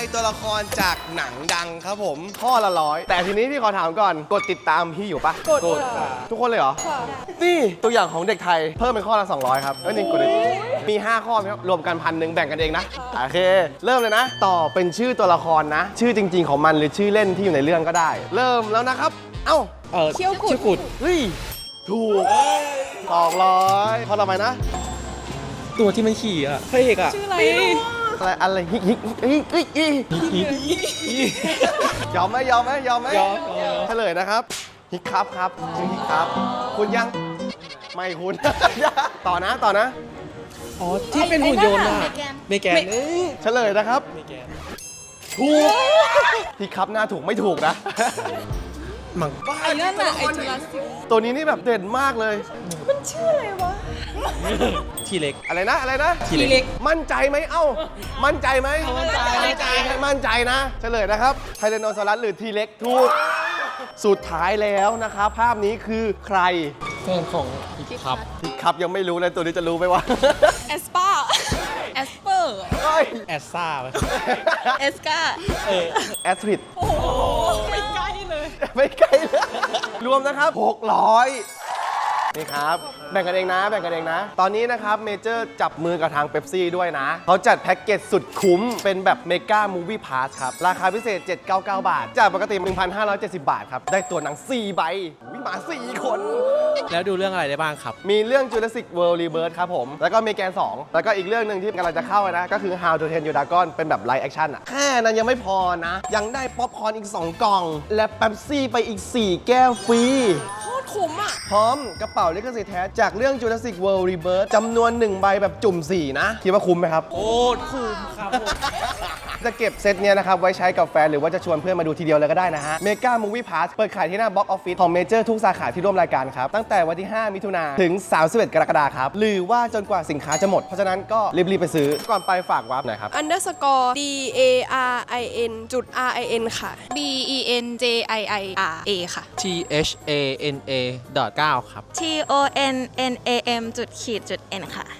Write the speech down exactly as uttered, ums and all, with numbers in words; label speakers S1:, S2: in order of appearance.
S1: ตัวละครจากหนังดังครับผมข้อละร้อยแต่ทีนี้พี่ขอถามก่อนกดติดตามพี่อยู่ปะ
S2: กดค่ะ
S1: ทุกคนเลยเหรอนี่ตัวอย่างของเด็กไทยเพิ่มเป็นข้อละสองร้อยครับเอ้ยนี่กดเลยมีห้าข้อครับรวมกันพันหนึ่งแบ่งกันเองนะโอเค เริ่มเลยนะ ต่อเป็นชื่อตัวละครนะ ชื่อจริง ๆของมันหรือชื่อเล่นที่อยู่ในเรื่องก็ได้ เริ่มแล้วนะครับ เอ้า
S3: เออ
S2: เขี้ยวกุด
S3: ชื่อกุด
S1: เฮ้ยถูกสองร้อยข้อต่อไปนะ
S3: ตัวที่มันขี่อ่ะพระเอกอ่ะ
S2: ชื่ออะไร
S1: อะไรอะไรฮิกฮิกฮิกฮิกฮิกยอมไหมยอมไหมยอมไหม
S3: ยอมยอม
S1: เฉลยนะครับฮิกครับครับชื่อฮิกครับ คุณยังไม่คุณ ต่อนะต่อนะ
S3: อ๋อที่เป็นหุ่นยนต์อ่ะเมแกนเอ้ย
S1: เฉลยนะครับ
S3: เมแกน
S1: ถูกฮิกครับหน้าถูกไม่ถูกนะ
S3: มัง
S2: ไอ้นั่นน่ะไอ้จุลศิลป์
S1: ตัวนี้นี่แบบเด่นมากเลย
S2: มันชื่ออะไรวะ
S3: ทีเล็ก
S1: อะไรนะอะไรนะ
S3: ทีเล็ก
S1: มั่นใจไหมเอ้า มั่นใจไหม
S3: มั่นใจ
S1: มั่นใจให้มั่นใจนะ เฉลยนะครับไทแรนโนซอรัสหรือทีเล็กถูก สุดท้ายแล้วนะครับ ภาพนี้คือใคร
S3: แฟนของอีกครับ
S1: พี่ครับยังไม่รู้เลยตัวนี้จะรู้ไหมวะ
S2: แอสปาแอสเปอร์
S1: เฮ้ย
S3: แอสซ่าไหม
S2: เอสกา
S3: เออ
S1: แอสทริด
S2: โอ้โหไม่ใกล้เลย
S1: ไม่ไกลเลย รวมนะครับหกร้อยนี่ครับ แบ่งกันเองนะ แบ่งกันเองนะ ตอนนี้นะครับเมเจอร์จับมือกับทางเ e ปซี่ด้วยนะ เขาจัดแพ็กเกจสุดคุ้ม เป็นแบบเมกามูวี่พาสครับ ราคาพิเศษ เจ็ดร้อยเก้าสิบเก้า บาท จากปกติ หนึ่งพันห้าร้อยเจ็ดสิบ บาทครับ ได้ตัวหนัง สี่ ใบวิมา สี่ คน
S3: แล้วดูเรื่องอะไรได้บ้างครับ
S1: มีเรื่อง Jurassic World Rebirth ครับผม แล้วก็เมแกน สอง แล้วก็อีกเรื่องหนึ่งที่กำลังจะเข้านะ ก็คือ How to Train Your Dragon เป็นแบบไลฟ์แอคชั่นอะแค่นั้นยังไม่พอนะ ยังได้ป๊อปคอร์นอีก สอง กล่อง และเป๊ปซี่ไปอีก สี่ แก้วฟรี
S2: โคตรคุ้มอ่ะ
S1: พร้อมกระเป๋าลิขสิทธิ์แท้จากเรื่อง Jurassic World Rebirth จำนวนหนึ่งใบแบบจุ่ม สี่ นะ คิดว่าคุ้มไหมครับ
S3: โอ้คุ้มครับผม
S1: จะเก็บเซตเนี้ยนะครับ ไว้ใช้กับแฟน หรือว่าจะชวนเพื่อนมาดูทีเดียวเลยก็ได้นะฮะ Mega Movie Pass เปิดขายที่หน้า Box Office ของเมเจอร์ทุกสาขาที่ร่วมรายการครับ ตั้งแต่วันที่ ห้า มิถุนายนถึง สามสิบเอ็ด กรกฎาคมครับ หรือว่าจนกว่าสินค้าจะหมด เพราะฉะนั้นก็รีบ ๆ ไปซื้อ ก่อนไปฝากวาร์ปหน่อยครับ
S2: underscore d a r i n จุด r i n ค่ะ
S4: B E N J I I R A ค่ะ
S3: T H A N A ดอทเก้าครับ
S4: T O N N A M จุดขีดจุด N ค่ะ